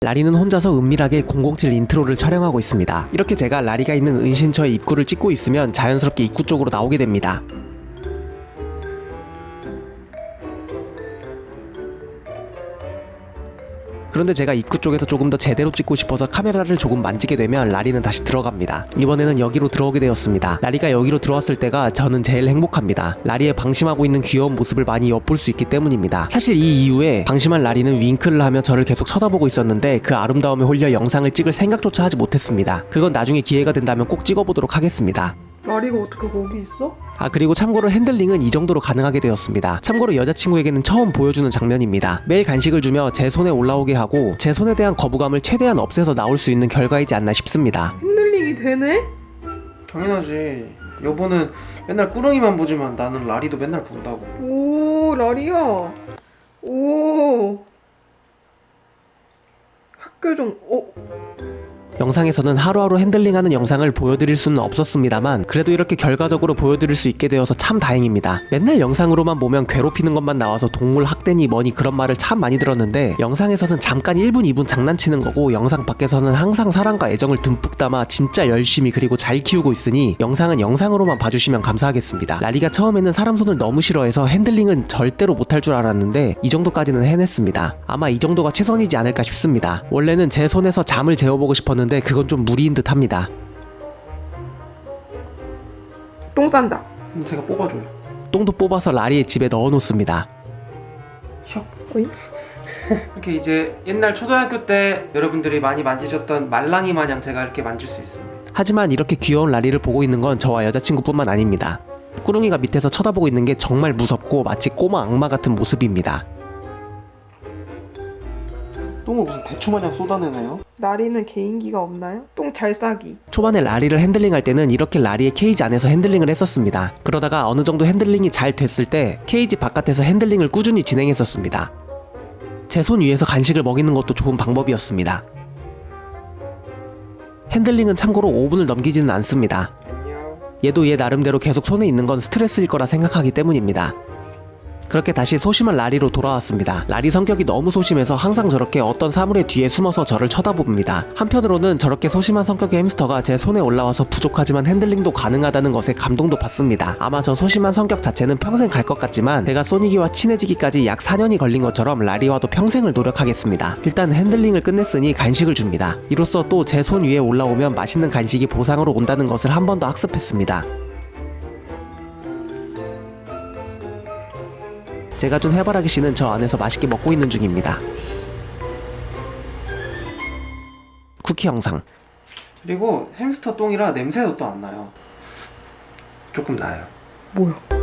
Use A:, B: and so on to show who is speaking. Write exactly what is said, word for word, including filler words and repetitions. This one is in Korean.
A: 라리는 혼자서 은밀하게 공공칠 인트로를 촬영하고 있습니다. 이렇게 제가 라리가 있는 은신처의 입구를 찍고 있으면 자연스럽게 입구 쪽으로 나오게 됩니다. 그런데 제가 입구 쪽에서 조금 더 제대로 찍고 싶어서 카메라를 조금 만지게 되면 라리는 다시 들어갑니다. 이번에는 여기로 들어오게 되었습니다. 라리가 여기로 들어왔을 때가 저는 제일 행복합니다. 라리의 방심하고 있는 귀여운 모습을 많이 엿볼 수 있기 때문입니다. 사실 이 이후에 방심한 라리는 윙크를 하며 저를 계속 쳐다보고 있었는데 그 아름다움에 홀려 영상을 찍을 생각조차 하지 못했습니다. 그건 나중에 기회가 된다면 꼭 찍어보도록 하겠습니다.
B: 라리가 어떻게 거기 있어?
A: 아 그리고 참고로 핸들링은 이 정도로 가능하게 되었습니다. 참고로 여자친구에게는 처음 보여주는 장면입니다. 매일 간식을 주며 제 손에 올라오게 하고 제 손에 대한 거부감을 최대한 없애서 나올 수 있는 결과이지 않나 싶습니다.
B: 핸들링이 되네?
C: 당연하지. 여보는 맨날 꾸렁이만 보지만 나는 라리도 맨날 본다고.
B: 오, 라리야. 오. 학교 좀, 어.
A: 영상에서는 하루하루 핸들링하는 영상을 보여드릴 수는 없었습니다만 그래도 이렇게 결과적으로 보여드릴 수 있게 되어서 참 다행입니다. 맨날 영상으로만 보면 괴롭히는 것만 나와서 동물 학대니 뭐니 그런 말을 참 많이 들었는데 영상에서는 잠깐 일 분 이 분 장난치는 거고 영상 밖에서는 항상 사랑과 애정을 듬뿍 담아 진짜 열심히 그리고 잘 키우고 있으니 영상은 영상으로만 봐주시면 감사하겠습니다. 라리가 처음에는 사람 손을 너무 싫어해서 핸들링은 절대로 못할 줄 알았는데 이 정도까지는 해냈습니다. 아마 이 정도가 최선이지 않을까 싶습니다. 원래는 제 손에서 잠을 재워보고 싶었는데 그건 좀 무리인 듯 합니다.
B: 똥 싼다.
C: 그럼 제가 뽑아줘요.
A: 똥도 뽑아서 라리의 집에 넣어놓습니다.
C: 혁.
B: 어이?
C: 이렇게 이제 옛날 초등학교 때 여러분들이 많이 만지셨던 말랑이 마냥 제가 이렇게 만질 수 있습니다.
A: 하지만 이렇게 귀여운 라리를 보고 있는 건 저와 여자친구뿐만 아닙니다. 꾸릉이가 밑에서 쳐다보고 있는 게 정말 무섭고 마치 꼬마 악마 같은 모습입니다.
C: 똥을 무슨 대추마냥 쏟아내네요?
B: 라리는 개인기가 없나요? 똥 잘 싸기.
A: 초반에 라리를 핸들링할 때는 이렇게 라리의 케이지 안에서 핸들링을 했었습니다. 그러다가 어느 정도 핸들링이 잘 됐을 때 케이지 바깥에서 핸들링을 꾸준히 진행했었습니다. 제 손 위에서 간식을 먹이는 것도 좋은 방법이었습니다. 핸들링은 참고로 오 분을 넘기지는 않습니다.
C: 안녕.
A: 얘도 얘 나름대로 계속 손에 있는 건 스트레스일 거라 생각하기 때문입니다. 그렇게 다시 소심한 라리로 돌아왔습니다. 라리 성격이 너무 소심해서 항상 저렇게 어떤 사물의 뒤에 숨어서 저를 쳐다봅니다. 한편으로는 저렇게 소심한 성격의 햄스터가 제 손에 올라와서 부족하지만 핸들링도 가능하다는 것에 감동도 받습니다. 아마 저 소심한 성격 자체는 평생 갈 것 같지만 제가 소니기와 친해지기까지 약 사 년이 걸린 것처럼 라리와도 평생을 노력하겠습니다. 일단 핸들링을 끝냈으니 간식을 줍니다. 이로써 또 제 손 위에 올라오면 맛있는 간식이 보상으로 온다는 것을 한 번 더 학습했습니다. 제가 준 해바라기 씨는 저 안에서 맛있게 먹고 있는 중입니다. 쿠키 영상.
C: 그리고 햄스터 똥이라 냄새도 또 안 나요. 조금 나요.
B: 뭐야?